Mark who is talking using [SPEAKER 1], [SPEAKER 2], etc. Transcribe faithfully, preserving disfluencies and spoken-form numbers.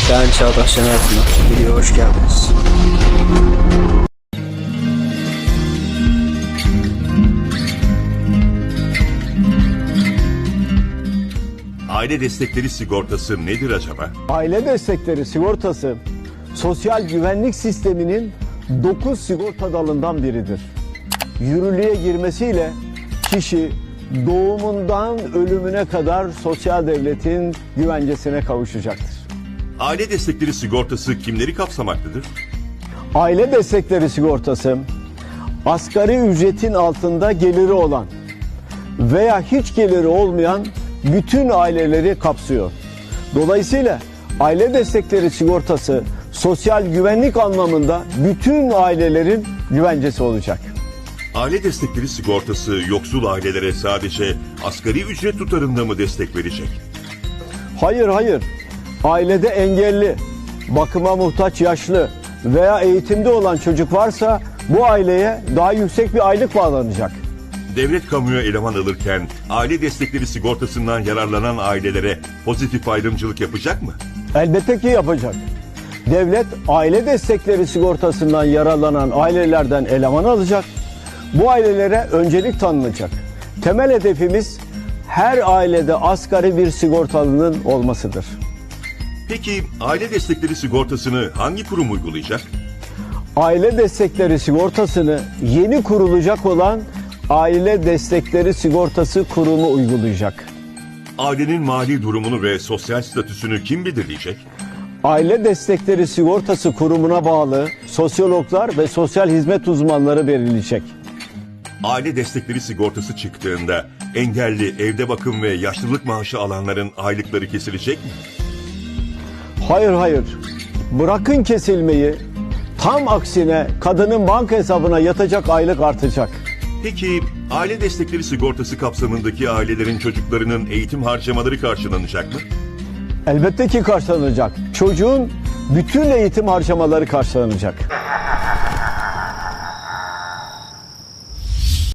[SPEAKER 1] Ben Çağdaş Şener Pınar. Videoya hoş geldiniz.
[SPEAKER 2] Aile destekleri sigortası nedir acaba?
[SPEAKER 3] Aile destekleri sigortası sosyal güvenlik sisteminin dokuz sigorta dalından biridir. Yürürlüğe girmesiyle kişi doğumundan ölümüne kadar sosyal devletin güvencesine kavuşacaktır.
[SPEAKER 2] Aile destekleri sigortası kimleri kapsamaktadır?
[SPEAKER 3] Aile destekleri sigortası asgari ücretin altında geliri olan veya hiç geliri olmayan bütün aileleri kapsıyor. Dolayısıyla aile destekleri sigortası sosyal güvenlik anlamında bütün ailelerin güvencesi olacak.
[SPEAKER 2] Aile destekleri sigortası yoksul ailelere sadece asgari ücret tutarında mı destek verecek?
[SPEAKER 3] Hayır hayır. Ailede engelli, bakıma muhtaç yaşlı veya eğitimde olan çocuk varsa bu aileye daha yüksek bir aylık bağlanacak.
[SPEAKER 2] Devlet kamuya eleman alırken aile destekleri sigortasından yararlanan ailelere pozitif ayrımcılık yapacak mı?
[SPEAKER 3] Elbette ki yapacak. Devlet aile destekleri sigortasından yararlanan ailelerden eleman alacak. Bu ailelere öncelik tanınacak. Temel hedefimiz her ailede asgari bir sigortalının olmasıdır.
[SPEAKER 2] Peki aile destekleri sigortasını hangi kurum uygulayacak?
[SPEAKER 3] Aile destekleri sigortasını yeni kurulacak olan Aile Destekleri Sigortası Kurumu uygulayacak.
[SPEAKER 2] Ailenin mali durumunu ve sosyal statüsünü kim belirleyecek?
[SPEAKER 3] Aile Destekleri Sigortası Kurumu'na bağlı sosyologlar ve sosyal hizmet uzmanları belirleyecek.
[SPEAKER 2] Aile destekleri sigortası çıktığında engelli, evde bakım ve yaşlılık maaşı alanların aylıkları kesilecek mi?
[SPEAKER 3] Hayır hayır. Bırakın kesilmeyi, tam aksine kadının banka hesabına yatacak aylık artacak.
[SPEAKER 2] Peki aile destekleri sigortası kapsamındaki ailelerin çocuklarının eğitim harcamaları karşılanacak mı?
[SPEAKER 3] Elbette ki karşılanacak. Çocuğun bütün eğitim harcamaları karşılanacak.